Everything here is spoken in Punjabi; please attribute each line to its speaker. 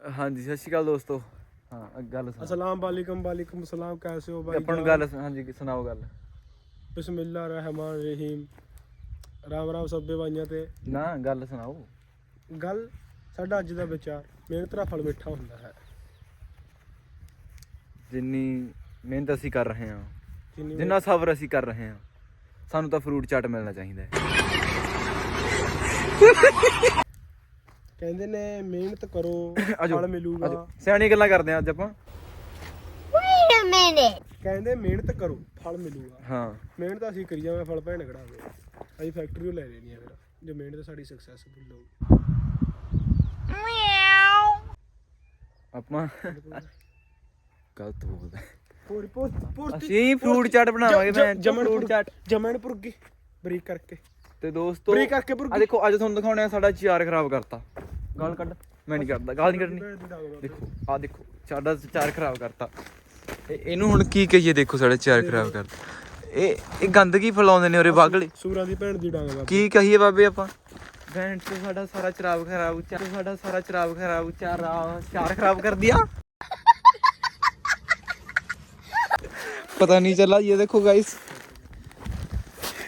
Speaker 1: ਹਾਂਜੀ ਸਤਿ ਸ਼੍ਰੀ ਅਕਾਲ ਦੋਸਤੋ। ਹਾਂ ਗੱਲ ਸੁਣਾਓ।
Speaker 2: अस्सलाम वालेकुम वालेकुम सलाम कैसे हो भाई?
Speaker 1: ਆਪਾਂ ਨੂੰ ਗੱਲ ਹਾਂਜੀ ਸੁਣਾਓ ਗੱਲ।
Speaker 2: बिस्मिल्लाह रहमान रहीम। राम राम सभे भाइयों ते
Speaker 1: ਨਾ ਗੱਲ ਸੁਣਾਓ।
Speaker 2: ਗੱਲ ਸਾਡਾ ਅੱਜ ਦਾ ਵਿਚਾਰ ਮਿਹਨਤ ਦਾ ਫਲ ਮਿੱਠਾ ਹੁੰਦਾ ਹੈ।
Speaker 1: ਜਿੰਨੀ ਮਿਹਨਤ ਅਸੀਂ ਕਰ ਰਹੇ ਹਾਂ,
Speaker 2: ਜਿੰਨੀ
Speaker 1: ਜਿੰਨਾ ਸਬਰ ਅਸੀਂ ਕਰ ਰਹੇ ਹਾਂ, ਸਾਨੂੰ ਤਾਂ ਫਰੂਟ ਚਾਟ ਮਿਲਣਾ ਚਾਹੀਦਾ ਹੈ।
Speaker 2: ਕਹਿੰਦੇ ਨੇ ਮਿਹਨਤ ਕਰੋ
Speaker 1: ਆਜੋ,
Speaker 2: ਫਲ ਮਿਲੂਗਾ।
Speaker 1: ਆਜੋ। ਸਿਆਣੀ ਗੱਲਾਂ ਕਰਦੇ ਹਾਂ ਅੱਜ ਆਪਾਂ।
Speaker 2: ਕਹਿੰਦੇ ਮਿਹਨਤ ਕਰੋ ਫਲ ਮਿਲੂਗਾ।
Speaker 1: ਹਾਂ
Speaker 2: ਮਿਹਨਤ ਅਸੀਂ ਕਰੀ ਜਾਵਾਂ ਫਲ ਭੈਣ ਕਢਾਵੇ। ਅਸੀਂ ਫੈਕਟਰੀ ਲੈ ਲੈਣੀ ਆ ਫਿਰ ਜੇ ਮਿਹਨਤ ਸਾਡੀ ਸਕਸੈਸਫੁਲ ਹੋਊਗੀ।
Speaker 1: ਆਪਾਂ ਗਲਤ ਬੋਲਦਾ।
Speaker 2: ਪੂਰੀ
Speaker 1: ਅਸੀਂ ਫਰੂਟ ਚਾਟ ਬਣਾਵਾਂਗੇ। ਮੈਂ ਫਰੂਟ ਚਾਟ
Speaker 2: ਜਮਨਪੁਰ ਕੀ ਬਰੀਕ ਕਰਕੇ
Speaker 1: ਤੇ ਦੋਸਤੋ
Speaker 2: ਬਰੀਕ ਕਰਕੇ
Speaker 1: ਆ ਦੇਖੋ ਅੱਜ ਤੁਹਾਨੂੰ ਦਿਖਾਉਣੇ ਆ ਸਾਡਾ ਚਾਰ ਖਰਾਬ ਕਰਤਾ। ਗਾਲ ਕੱਢ। ਮੈਂ ਨਹੀਂ ਕਰਦਾ, ਗਾਲ ਨਹੀਂ ਕੱਢਣੀ। ਦੇਖੋ ਆ ਦੇਖੋ ਸਾਡਾ ਚਾਰ ਖਰਾਬ ਕਰਤਾ। ਇਹਨੂੰ ਹੁਣ ਕੀ ਕਹੀਏ? ਦੇਖੋ ਸਾਡਾ ਚਾਰ ਖਰਾਬ ਕਰਤਾ। ਇਹ ਗੰਦਗੀ ਫੈਲਾਉਂਦੇ ਨੇ ਉਰੇ ਬਾਗਲੇ।
Speaker 2: ਸੂਰਾਂ ਦੀ ਭੈਣ ਦੀ ਡਾਂਗ
Speaker 1: ਕੀ ਕਹੀਏ ਬਾਬੇ ਆਪਾਂ? ਭੈਣ ਤੋਂ ਸਾਡਾ ਸਾਰਾ ਚਰਾਬ ਖਰਾਬ, ਸਾਡਾ ਸਾਰਾ ਚਰਾਬ ਖਰਾਬ, ਚਾਰ ਖਰਾਬ ਕਰ ਦਿਆ। पता नहीं चला। ये देखो गाइस